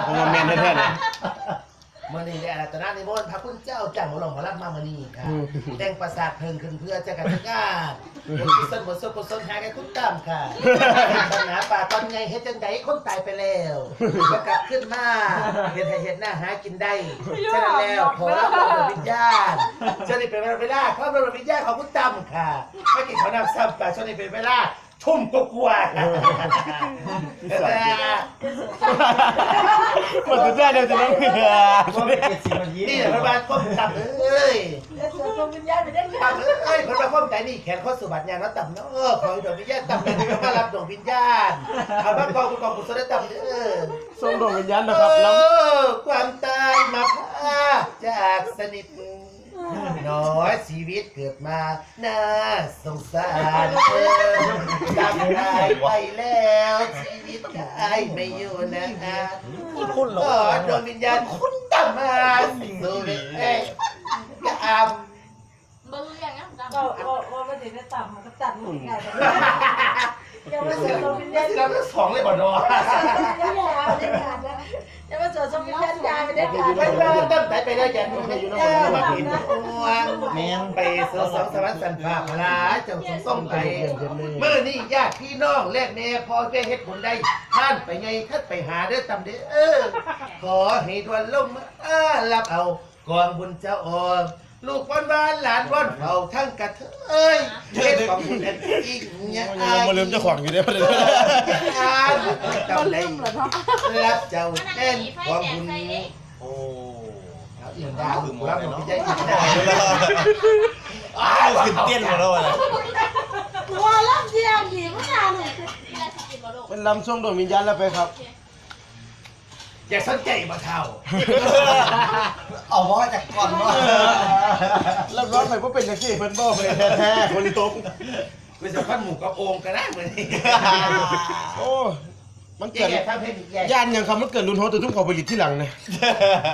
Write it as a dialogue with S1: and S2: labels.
S1: ผมว่าแมนแท้ๆเลย
S2: เมื่อนี้เนี่ยตอนนั้นในโบนพระคุณเจ้าจังหวัดหลวงพระรับมาเมื่อนี้ค่ะแต่งประสาทเพิ่งขึ้นเพื่อจะกันงานบทกุศลบทสวดกุศลหากันคุณตามค่ะปัญหาป่าตอนไงเฮ็ดจังไดคนตายไปแล้วก็กลับขึ้นมาเฮ็ดให้เฮ็ดหน้าหากินได้ฉะนั้นแล้วขอรับดวงวิญญาณช่วงนี้เป็นเวลาขอรับดวงวิญญาณของคุณตามค่ะไม่กินข้าวนำซ้ำค่ะช่วงนี้เป็นเวลาทุ่มกว่าๆค่ะ
S1: หมดสุดยอดเดียวจะน้องเหงื่อ
S2: นี่แหละพระบาทก้มต่ำเอ้ย
S3: แล้วเสือดวงวิญญาณไปได้ไง
S2: ต่ำเอ้ยพระบาทก้มใจนี่แขนข้อสุบัติยางแล้วต่ำเนาะขอให้ดวงวิญญาณต่ำเลยมารับดวงวิญญาณเอาบ้านกองกุศลต่ำเ
S1: ส่งดวงวิญญาณนะครับแล้ว
S2: ความตายมาพาจากสนิทน้อยชีวิตเกิดมาน่าสงสารตามตายไปแล้วชีวิตตายไม่อยู่นะคุณหรอดวงวิญญาณคุณตามมาสู่เอ้ยกระอับ
S4: เบอร์อย่างนั้น
S3: ก็ไม่ได้ได้ต่ำมันก็ตัดหมดไงยังไม่เสือดวงวิญญาณ
S2: เราทั้งสองเลยบ่ดอ
S3: ยังไม่ได้การนะยังไม่เสือดวงวิญญาณยายไม่ได้การ
S2: ไม่ว่าตั้งแต่ไปแล้วอย่าดูไม่มาผิดห่วงแมงไปสองสวรรค์สันฟ้าพลาเจ้าส่งไปเมื่อนี่ญาติพี่น้องแลกแม่พอได้เฮ็ดผลได้ท่านไปไงท่านไปหาเด้อตำเด้อขอให้ดวนลงมารับเอากองบุญเจ้าออลูกวันวานหลานวันเฝ้าทั้งกระเทยเฮ็ดของบุญอันอีกเนี่ย
S1: ยังมาลืมเจ้าของอยู่เด้อประเด็น
S2: จำได้รับเจ้าแน่นของบุญ
S1: โอ้
S2: อิ่มดาวคือรับของพี่ใจอิ่มดาว
S1: อ้าวขึ้นเต้นหมดแล้วอะไร
S3: หัวล้ำเดียวหนีไม่นานเลย
S1: เป็นลำส่งดวงวิญญาณแล้วไปครับ
S2: อย่าสนใจมาเท่า
S5: เอาว่าจากก่อนว่า
S1: แล้วร้อนไปเพราะเป็นแท็กซี่เพิ่นบอกเลยแท้ๆคนตรง
S2: ไม่จะพันหมูกระโองกันนะเหมือนนี่
S1: โอ้มัน
S2: แย่
S1: เกิด
S2: ทำให้แย่
S1: ย่านยังคำมันเกิดรุนโฮแต่ทุ่มขอผลิตที่หลังเนี่ย